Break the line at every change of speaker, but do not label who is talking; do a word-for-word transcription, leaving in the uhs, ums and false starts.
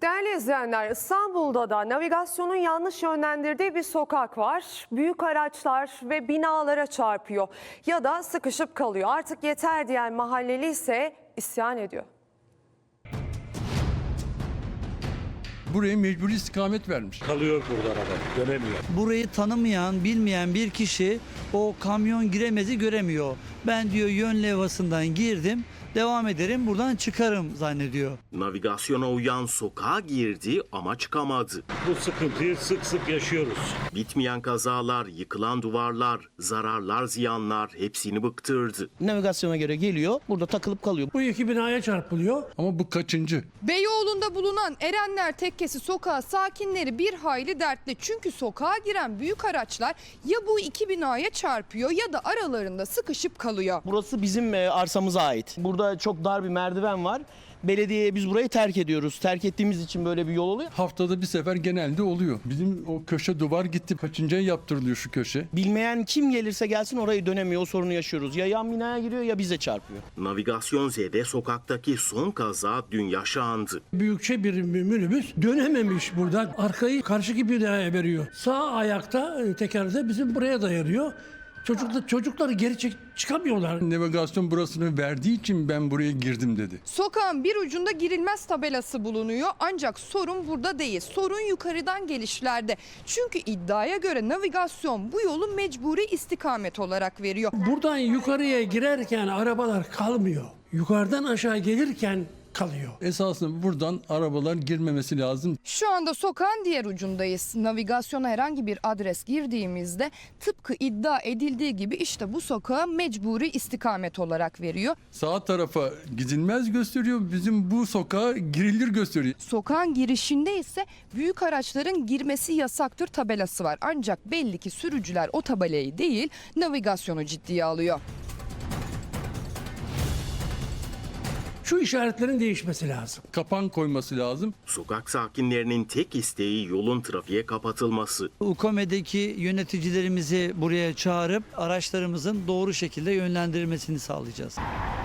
Değerli izleyenler, İstanbul'da da navigasyonun yanlış yönlendirdiği bir sokak var. Büyük araçlar ve binalara çarpıyor ya da sıkışıp kalıyor. Artık yeter diyen mahalleli ise isyan ediyor.
Buraya mecburi istikamet vermiş.
Kalıyor burada araba, dönemiyor.
Burayı tanımayan, bilmeyen bir kişi o kamyon giremezi göremiyor. Ben diyor yön levhasından girdim, devam ederim, buradan çıkarım zannediyor.
Navigasyona uyan sokağa girdi ama çıkamadı.
Bu sıkıntıyı sık sık yaşıyoruz.
Bitmeyen kazalar, yıkılan duvarlar, zararlar, ziyanlar hepsini bıktırdı.
Navigasyona göre geliyor, burada takılıp kalıyor.
Bu iki binaya çarpılıyor.
Ama bu kaçıncı?
Beyoğlu'nda bulunan Erenler Tekkesi sokağı sakinleri bir hayli dertli. Çünkü sokağa giren büyük araçlar ya bu iki binaya çarpıyor ya da aralarında sıkışıp kalıyor.
Burası bizim e, arsamıza ait. Burada çok dar bir merdiven var. Belediyeye biz burayı terk ediyoruz. Terk ettiğimiz için böyle bir yol oluyor.
Haftada bir sefer genelde oluyor. Bizim o köşe duvar gitti. Kaçıncıya yaptırılıyor şu köşe?
Bilmeyen kim gelirse gelsin orayı dönemiyor. O sorunu yaşıyoruz. Ya yan binaya giriyor ya bize çarpıyor.
Navigasyon Z'de sokaktaki son kaza dün yaşandı.
Büyükçe bir minibüs dönememiş buradan. Arkayı karşıki binaya veriyor. Sağ ayakta e, tekerde bizim buraya dayanıyor. Çocuklar, çocukları geri çek, çıkamıyorlar.
Navigasyon burasını verdiği için ben buraya girdim dedi.
Sokağın bir ucunda girilmez tabelası bulunuyor ancak sorun burada değil. Sorun yukarıdan gelişlerde. Çünkü iddiaya göre navigasyon bu yolu mecburi istikamet olarak veriyor.
Buradan yukarıya girerken arabalar kalmıyor. Yukarıdan aşağı gelirken kalıyor.
Esasında buradan arabalar girmemesi lazım.
Şu anda sokağın diğer ucundayız. Navigasyona herhangi bir adres girdiğimizde tıpkı iddia edildiği gibi işte bu sokağa mecburi istikamet olarak veriyor.
Sağ tarafa gidilmez gösteriyor. Bizim bu sokağa girilir gösteriyor.
Sokağın girişinde ise büyük araçların girmesi yasaktır tabelası var. Ancak belli ki sürücüler o tabelayı değil navigasyonu ciddiye alıyor.
Şu işaretlerin değişmesi lazım.
Kapan koyması lazım.
Sokak sakinlerinin tek isteği yolun trafiğe kapatılması.
UKOME'deki yöneticilerimizi buraya çağırıp araçlarımızın doğru şekilde yönlendirilmesini sağlayacağız.